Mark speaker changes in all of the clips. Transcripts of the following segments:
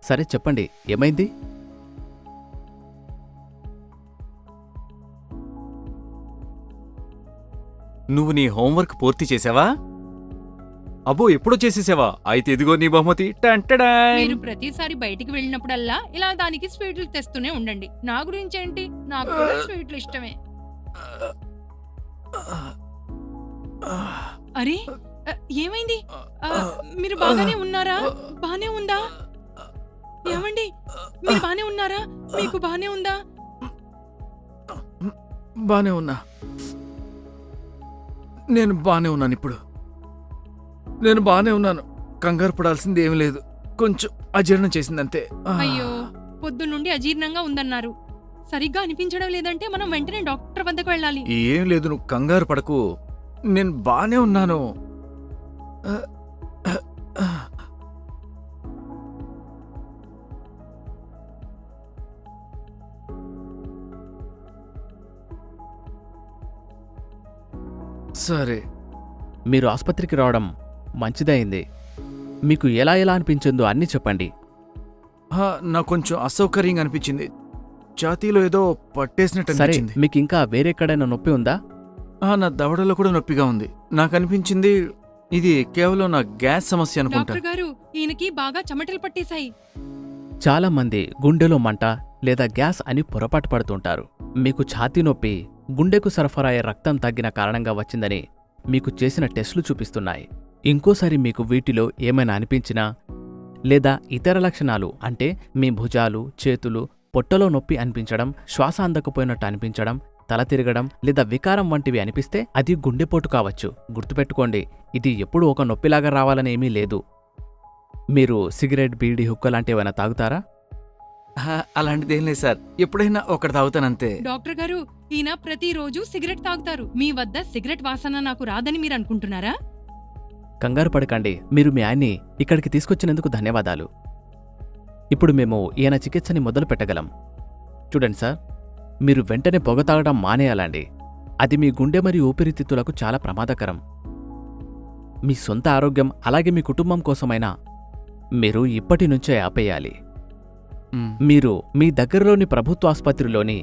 Speaker 1: సరే చెప్పండి, ఏమైంది?
Speaker 2: నువ్వు నీ హోంవర్క్ పూర్తి చేసావా? అబ్బో, ఎప్పుడో చేసేసావా? అయితే ఇదిగో నీ బహుమతి. టంటడాయ్.
Speaker 3: మీరు ప్రతిసారి బయటికి వెళ్ళినప్పుడల్లా ఇలా దానికి స్వీట్లు తెస్తూనే ఉండండి. నా గురించి ఏంటి, నాకు కూడా స్వీట్లు ఇష్టమే. అరే ఏమైంది? మీరు బాగానే ఉన్నారా? బానే ఉందా? ఏమండి, మీరు బానే ఉన్నారా? మీకు బానే ఉందా?
Speaker 2: బానే ఉన్నా. నేను బానే ఉన్నాను. ఇప్పుడు నేను బానే ఉన్నాను. కంగారు పడాల్సింది ఏమీ లేదు. కొంచెం అజీర్ణం చేసిందంతే.
Speaker 3: అయ్యో, పొద్దున్నుండి అజీర్ణంగా ఉందన్నారు. సరిగ్గా అనిపించడం లేదంటే మనం వెంటనే డాక్టర్ వద్దకు వెళ్ళాలి.
Speaker 2: ఏం లేదు, నువ్వు కంగారు పడకు. నేను బానే ఉన్నాను. సరే,
Speaker 1: మీరు ఆసుపత్రికి రావడం మంచిదైంది. మీకు ఎలా ఎలా అనిపించిందో అన్నీ చెప్పండి.
Speaker 2: నాకు కొంచెం అసౌకర్యంగా అనిపించింది. ఛాతీలో ఏదో పట్టేసినట్టు
Speaker 1: సరే,
Speaker 2: అనిపించింది.
Speaker 1: మీకు ఇంకా వేరెక్కడైనా నొప్పి ఉందా?
Speaker 2: నా దవడలో కూడా నొప్పిగా ఉంది. నాకు అనిపించింది ఇది కేవలం నా గ్యాస్ సమస్య అనుకుంటా.
Speaker 3: డాక్టర్ గారు, ఈయనకి బాగా చెమటలు పట్టేశాయి.
Speaker 1: చాలా మంది గుండెలో మంట లేదా గ్యాస్ అని పొరపాటు పడుతుంటారు. మీకు ఛాతీ నొప్పి గుండెకు సరఫరా అయ్యే రక్తం తగ్గిన కారణంగా వచ్చిందని మీకు చేసిన టెస్టులు చూపిస్తున్నాయి. ఇంకోసారి మీకు వీటిలో ఏమైనా అనిపించినా లేదా ఇతర లక్షణాలు అంటే మీ భుజాలు, చేతులు, పొట్టలో నొప్పి అనిపించడం, శ్వాస అందకపోయినట్టు అనిపించడం, తల తిరగడం లేదా వికారం వంటివి అనిపిస్తే అది గుండెపోటు కావచ్చు. గుర్తుపెట్టుకోండి, ఇది ఎప్పుడూ ఒక నొప్పిలాగా రావాలని ఏమీ లేదు. మీరు సిగరెట్, బీడీ, హుక్క లాంటివైనా తాగుతారా?
Speaker 2: అలాంటిదేం లేదు సార్. ఎప్పుడైనా ఒకటి తాగుతానంతే.
Speaker 3: డాక్టర్ గారు, ఈయన ప్రతిరోజు సిగరెట్ తాగుతారు. మీ వద్ద సిగరెట్ వాసన నాకు రాదని మీరు అనుకుంటున్నారా?
Speaker 1: కంగారు పడకండి. మీరు మీ ఆయన్ని ఇక్కడికి తీసుకొచ్చినందుకు ధన్యవాదాలు. ఇప్పుడు మేము ఈయన చికిత్సని మొదలు పెట్టగలం. చూడండి సార్, మీరు వెంటనే పొగ తాగడం మానేయాలండి. అది మీ గుండె మరియు ఊపిరితిత్తులకు చాలా ప్రమాదకరం. మీ సొంత ఆరోగ్యం అలాగే మీ కుటుంబం కోసమైనా మీరు ఇప్పటి నుంచే ఆపేయాలి. మీరు మీ దగ్గరలోని ప్రభుత్వ ఆసుపత్రిలోని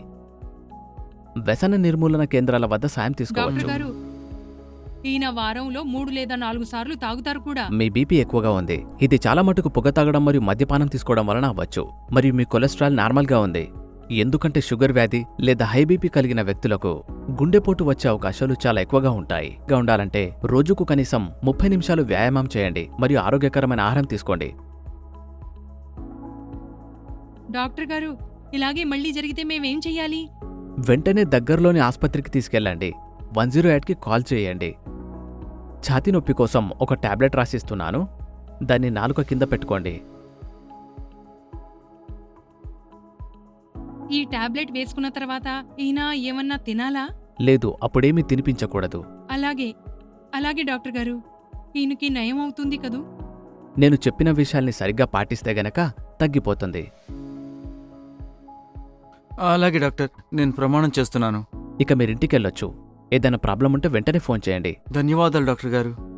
Speaker 1: వ్యసన నిర్మూలన కేంద్రాల వద్ద సాయం
Speaker 3: డాక్టర్
Speaker 1: తీసుకోవచ్చు.
Speaker 3: గారు, ఈయన వారంలో 3 లేదా 4 సార్లు తాగుతారు కూడా.
Speaker 1: మీ బీపీ ఎక్కువగా ఉంది. ఇది చాలా మటుకు పొగ తాగడం మరియు మద్యపానం తీసుకోవడం వలన అవ్వచ్చు. మరియు మీ కొలెస్ట్రాల్ నార్మల్గా ఉంది. ఎందుకంటే షుగర్ వ్యాధి లేదా హై బీపీ కలిగిన వ్యక్తులకు గుండెపోటు వచ్చే అవకాశాలు చాలా ఎక్కువగా ఉంటాయి. ఉండాలంటే రోజుకు కనీసం 30 నిమిషాలు వ్యాయామం చేయండి మరియు ఆరోగ్యకరమైన ఆహారం తీసుకోండి.
Speaker 3: డాక్టర్ గారు, ఇలాగే మళ్ళీ జరిగితే మేమేం చెయ్యాలి?
Speaker 1: వెంటనే దగ్గరలోని ఆసుపత్రికి తీసుకెళ్ళండి. 108కి కాల్ చేయండి. ఛాతీ నొప్పి కోసం ఒక టాబ్లెట్ రాసిస్తున్నాను. దాన్ని నాలుక కింద పెట్టుకోండి.
Speaker 3: ఈ టాబ్లెట్ వేసుకున్న తర్వాత ఈయన ఏమన్నా తినాలా?
Speaker 1: లేదు, అప్పుడేమీ తినిపించకూడదు.
Speaker 3: అలాగే డాక్టర్ గారు, ఈయనకి నయం అవుతుంది కదూ?
Speaker 1: నేను చెప్పిన విషయాల్ని సరిగ్గా పాటిస్తే గనక తగ్గిపోతుంది.
Speaker 2: అలాగే డాక్టర్, నేను ప్రమాణం చేస్తున్నాను.
Speaker 1: ఇక మీరింటికెళ్ళొచ్చు. ఏదైనా ప్రాబ్లం ఉంటే వెంటనే ఫోన్ చేయండి.
Speaker 2: ధన్యవాదాలు డాక్టర్ గారు.